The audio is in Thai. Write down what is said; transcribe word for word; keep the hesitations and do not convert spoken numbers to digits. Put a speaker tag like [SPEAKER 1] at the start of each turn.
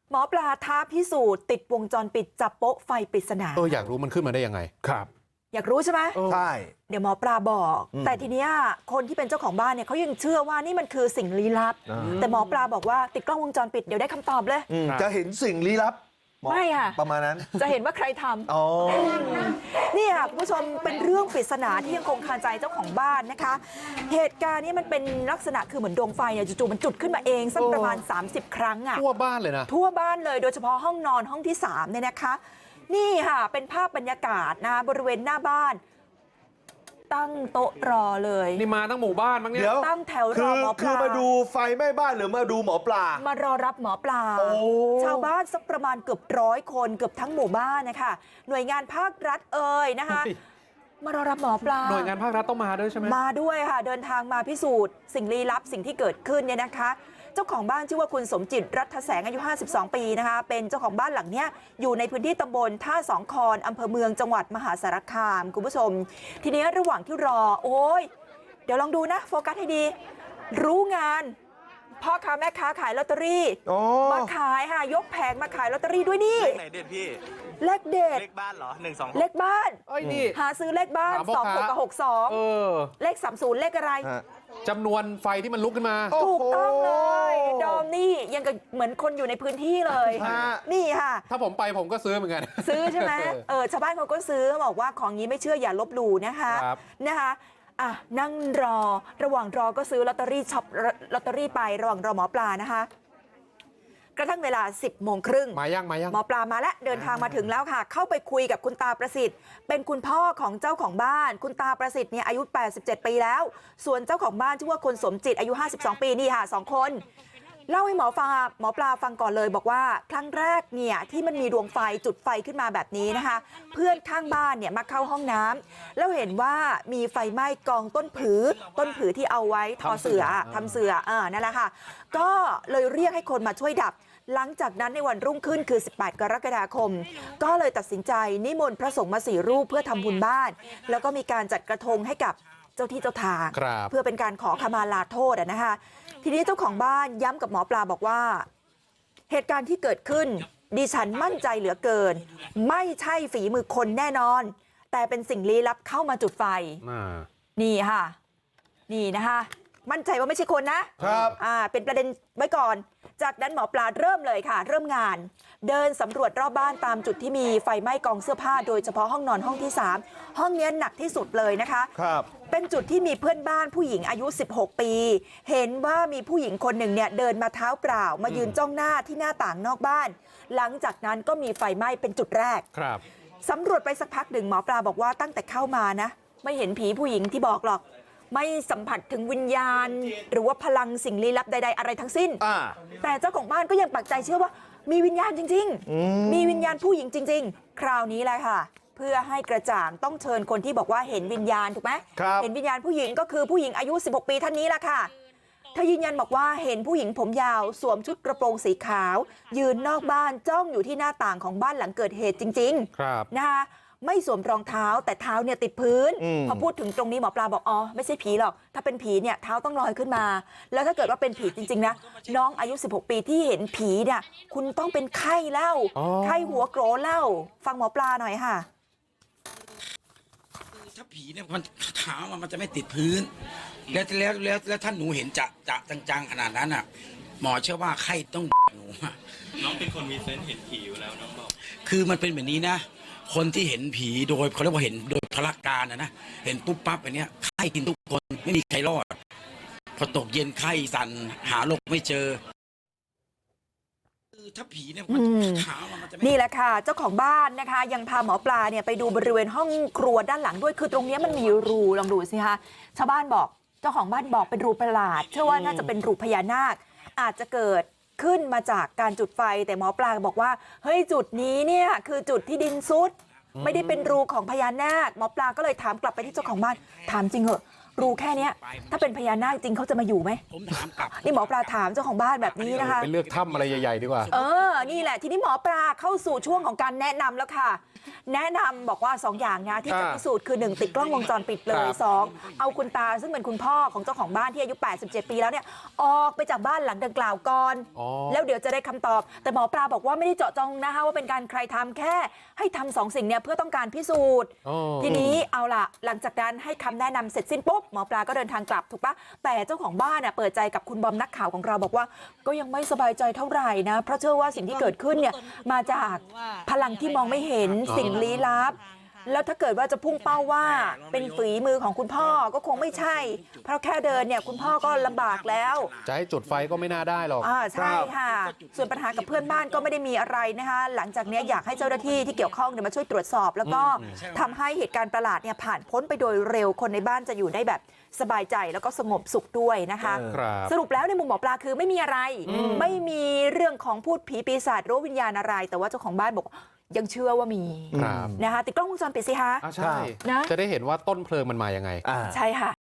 [SPEAKER 1] หมอปลาท้าพิสูจน์ติดวงจรปิดจับโป๊ะไฟปริศนา
[SPEAKER 2] เอออยากรู้มันขึ้นมาได้ยังไง
[SPEAKER 3] ครับ
[SPEAKER 1] อยากรู้ใช่ไหม
[SPEAKER 3] ใช่
[SPEAKER 1] เดี๋ยวหมอปลาบอกแต่ทีเนี้ยคนที่เป็นเจ้าของบ้านเนี่ยเขายังเชื่อว่านี่มันคือสิ่งลี้ลับแต่หมอปลาบอกว่าติดกล้องวงจรปิดเดี๋ยวได้คำตอบเลย
[SPEAKER 3] จะเห็นสิ่งลี้ลับ
[SPEAKER 1] ไม่ค่ะ
[SPEAKER 3] ประมาณนั้น
[SPEAKER 1] จะเห็นว่าใครทำ
[SPEAKER 3] อ๋อ
[SPEAKER 1] นี่ค่ะคุณผู้ชมเป็นเรื่องปริศนาที่ยังคงคาใจเจ้าของบ้านนะคะเหตุการณ์นี้มันเป็นลักษณะคือเหมือนดวงไฟเนี่ยจู่ๆมันจุดขึ้นมาเองสักประมาณสามสิบครั้งอ่ะ
[SPEAKER 2] ทั่วบ้านเลยนะ
[SPEAKER 1] ทั่วบ้านเลยโดยเฉพาะห้องนอนห้องที่สามเนี่ยนะคะนี่ค่ะเป็นภาพบรรยากาศนะบริเวณหน้าบ้านตั้งโต๊ะรอเลย
[SPEAKER 2] นี่มาตั้งหมู่บ้านมั้งเนี่ย
[SPEAKER 1] ตั้งแถวรอหมอปลา
[SPEAKER 3] คือมาดูไฟไหม้บ้านหรือมาดูหมอปลาม
[SPEAKER 1] ารอรับหมอปลาชาวบ้านสักประมาณเกือบร้อยคนเกือบทั้งหมู่บ้านนะคะหน่วยงานภาครัฐเอ่ยนะคะมารอรับหมอปลา
[SPEAKER 2] หน่วยงานภาครัฐต้องมาด้วยใช่ไหม
[SPEAKER 1] มาด้วยค่ะเดินทางมาพิสูจน์สิ่งลี้ลับสิ่งที่เกิดขึ้นเนี่ยนะคะเจ้าของบ้านชื่อว่าคุณสมจิตรัฐแสงอายุห้าสิบสองปีนะคะเป็นเจ้าของบ้านหลังเนี้ยอยู่ในพื้นที่ตำบลท่าสองคอนอำเภอเมืองจังหวัดมหาสารคามคุณผู้ชมทีนี้ระหว่างที่รอโอ้ยเดี๋ยวลองดูนะโฟกัสให้ดีรู้งานพ่อค้าแม่ค้าขายลอตเตอรี่มาขายค่ะยกแผงมาขายลอตเตอรี่ด้วยนี่
[SPEAKER 4] เลขไหนเด็ดพี่
[SPEAKER 1] เลขเด็ด
[SPEAKER 4] เลขบ้านเหรอหนึ่งสอง
[SPEAKER 1] เลขบ้าน
[SPEAKER 2] เอ้ยนี่
[SPEAKER 1] หาซื้อเลขบ้านสองหกกับหกสองเลขสามศูนย์เลขอะไร
[SPEAKER 2] จำนวนไฟที่มันลุกขึ้นมา
[SPEAKER 1] ถูกต้องเลยดอมนี่ยังกับเหมือนคนอยู่ในพื้นที่เลยนี่ค่ะ
[SPEAKER 2] ถ้าผมไปผมก็ซื้อเหมือนกัน
[SPEAKER 1] ซื้อใช่ไหมเออชาวบ้านเขาก็ซื้อบอกว่าของนี้ไม่เชื่ออย่าลบหลู่นะคะนะคะอ่ะนั่งรอระหว่างรอก็ซื้อลอตเตอรี่ช็อปลอตเตอรี่ไประหว่างรอหมอปลานะคะกระทั่งเวลาสิบโมงครึ่ง
[SPEAKER 2] มายังมายัง
[SPEAKER 1] หมอปลามาแล้วเดินทางมาถึงแล้วค่ะเข้าไปคุยกับคุณตาประสิทธิ์เป็นคุณพ่อของเจ้าของบ้านคุณตาประสิทธิ์เนี่ยอายุแปดสิบเจ็ดปีแล้วส่วนเจ้าของบ้านชื่อว่าคุณสมจิตอายุห้าสิบสองปีนี่ค่ะสองคนเล่าให้หมอฟังหมอปลาฟังก่อนเลยบอกว่าครั้งแรกเนี่ยที่มันมีดวงไฟจุดไฟขึ้นมาแบบนี้นะคะเพื่อนข้างบ้านเนี่ยมาเข้าห้องน้ำแล้วเห็นว่ามีไฟไหม้กองต้นผือต้นผือที่เอาไว้ทอเสือทำเสือเออนั่นแหละค่ะก็เลยเรียกให้คนมาช่วยดับหลังจากนั้นในวันรุ่งขึ้นคือสิบแปดกรกฎาคมก็เลยตัดสินใจนิมนต์พระสงฆ์มาสี่รูปเพื่อทำบุญบ้านแล้วก็มีการจัดกระทงให้กับเจ้าที่เจ้าทางเพื่อเป็นการขอขมาลาโทษนะคะทีนี้เจ้าของบ้านย้ำกับหมอปลาบอกว่าเหตุการณ์ที่เกิดขึ้นดิฉันมั่นใจเหลือเกินไม่ใช่ฝีมือคนแน่นอนแต่เป็นสิ่งลี้ลับเข้ามาจุดไฟนี่ค่ะนี่นะคะมั่นใจว่าไม่ใช่คนนะครับอ่าเป็นประเด็นไว้ก่อนจากนั้นหมอปลาเริ่มเลยค่ะเริ่มงานเดินสำรวจรอบบ้านตามจุดที่มีไฟไหม้กองเสื้อผ้าโดยเฉพาะห้องนอนห้องที่สามห้องนี้หนักที่สุดเลยนะคะ
[SPEAKER 3] ครับ
[SPEAKER 1] เป็นจุดที่มีเพื่อนบ้านผู้หญิงอายุสิบหกปีเห็นว่ามีผู้หญิงคนหนึ่งเนี่ยเดินมาเท้าเปล่ามายืนจ้องหน้าที่หน้าต่างนอกบ้านหลังจากนั้นก็มีไฟไหม้เป็นจุดแรก
[SPEAKER 2] ครับ
[SPEAKER 1] สำรวจไปสักพักหนึ่งหมอปลาบอกว่าตั้งแต่เข้ามานะไม่เห็นผีผู้หญิงที่บอกหรอกไม่สัมผัสถึงวิญญาณหรือว่าพลังสิ่งลี้ลับใดๆอะไรทั้งสิ้นแต่เจ้าของบ้านก็ยังปักใจเชื่อว่ามีวิญญาณจริงๆมีวิญญาณผู้หญิงจริงๆคราวนี้แหละค่ะเพื่อให้กระจ่างต้องเชิญคนที่บอกว่าเห็นวิญญาณถูกไหมเห็นวิญญาณผู้หญิงก็คือผู้หญิงอายุสิบหกปีท่านนี้แหละค่ะเธอยืนยันบอกว่าเห็นผู้หญิงผมยาวสวมชุดกระโปรงสีขาวยืนนอกบ้านจ้องอยู่ที่หน้าต่างของบ้านหลังเกิดเหตุจริงๆนะคะไม่สวมรองเท้าแต่เท้าเนี่ยติดพื้นพอพูดถึงตรงนี้หมอปลาบอกอ๋อไม่ใช่ผีหรอกถ้าเป็นผีเนี่ยเท้าต้องลอยขึ้นมาแล้วถ้าเกิดว่าเป็นผีจริงๆนะน้องอายุสิบหกปีที่เห็นผีเนี่ยคุณต้องเป็นไข้เล่าไข้หัวโกรนเล่าฟังหมอปลาหน่อยค่ะ
[SPEAKER 5] ถ้าผีเนี่ยมันเท้ามันจะไม่ติดพื้นแล้วแล้วแล้วแล้วท่านหนูเห็นจะจะจังๆขนาดนั้นอ่ะหมอเชื่อว่าไข้ต้องหนู
[SPEAKER 4] น้องเป็นคนมีเซนส์เห็นผีอยู่แล้วน้องบอก
[SPEAKER 5] คือมันเป็นแบบนี้นะคนที่เห็นผีโดยเขาเรียกว่าเห็นโดยพละการนะนะเห็นปุ๊บปั๊บแบบนี้ไข้กินทุกคนไม่มีใครรอดพอตกเย็นไข้สั่นหาโรคไม่เจอถ้าผีเนี่ยมันขามันจะ
[SPEAKER 1] นี่แหละค่ะเจ้าของบ้านนะคะยังพาหมอปลาเนี่ยไปดูบริเวณห้องครัวด้านหลังด้วยคือตรงนี้มันมีรูลองดูสิคะชาวบ้านบอกเจ้าของบ้านบอกเป็นรูประหลาดเชื่อว่าน่าจะเป็นรูพญานาคอาจจะเกิดขึ้นมาจากการจุดไฟแต่หมอปลาบอกว่าเฮ้ยจุดนี้เนี่ยคือจุดที่ดินซุดไม่ได้เป็นรูของพญานาคหมอปลาก็เลยถามกลับไปที่เจ้าของบ้านถามจริงเหอะรูแค่นี้ถ้าเป็นพญานาคจริงเขาจะมาอยู่ไหม
[SPEAKER 5] ผมถามกลับ
[SPEAKER 1] นี่หมอปลาถามเจ้าของบ้านแบบนี้นะคะ
[SPEAKER 2] ไปเลือกถ้ำอะไรใหญ่ๆดีกว่า
[SPEAKER 1] เออนี่แหละทีนี้หมอปลาเข้าสู่ช่วงของการแนะนำแล้วค่ะ แนะนำบอกว่าสองอย่างนะที่จะพิสูจน์คือหนึ่งติดกล้องวงจรปิดเลยสองเอาคุณตาซึ่งเป็นคุณพ่อของเจ้าของบ้านที่อายุแปดสิบเจ็ดปีแล้วเนี่ยออกไปจากบ้านหลังดังกล่าวก่อนแล้วเดี๋ยวจะได้คำตอบแต่หมอปลาบอกว่าไม่ได้เจาะจงนะคะว่าเป็นการใครทำแค่ให้ทำสองสิ่งเนี่ยเพื่อต้องการพิสูจน์ทีนี้เอาล่ะหลังจากนั้นให้คำแนะนำเสร็จสิ้นปุ๊บหมอปลาก็เดินทางกลับถูกปะแต่เจ้าของบ้านน่ะเปิดใจกับคุณบอมนักข่าวของเราบอกว่าก็ยังไม่สบายใจเท่าไหร่นะเพราะเชื่อว่าสิ่งที่เกิดขึ้นเนี่ยมาจากพลังที่มองไม่เห็นสิ่งลี้ลับแล้วถ้าเกิดว่าจะพุ่งเป้าว่าเป็นฝีมือของคุณพ่อก็คงไม่ใช่เพราะแค่เดินเนี่ยคุณพ่อก็ลำบากแล้ว
[SPEAKER 2] จะให้จุดไฟก็ไม่น่าได้หรอก
[SPEAKER 1] อ่าใช่ค่ะส่วนปัญหากับเพื่อนบ้านก็ไม่ได้มีอะไรนะคะหลังจากนี้อยากให้เจ้าหน้าที่ที่เกี่ยวข้องเนี่ยมาช่วยตรวจสอบแล้วก็ทำให้เหตุการณ์ประหลาดเนี่ยผ่านพ้นไปโดยเร็วคนในบ้านจะอยู่ได้แบบสบายใจแล้วก็สงบสุขด้วยนะคะสรุปแล้วในมุมหมอปลาคือไม่มีอะไรไม่มีเรื่องของพูดผีปีศาจหรือวิญญาณอะไรแต่ว่าเจ้าของบ้านบอกยังเชื่อว่ามีนะคะติดกล้องวงจรปิดสิคะ
[SPEAKER 2] ใช่นะจะได้เห็นว่าต้นเพลิงมันมายังไง
[SPEAKER 1] ใช่ค่ะ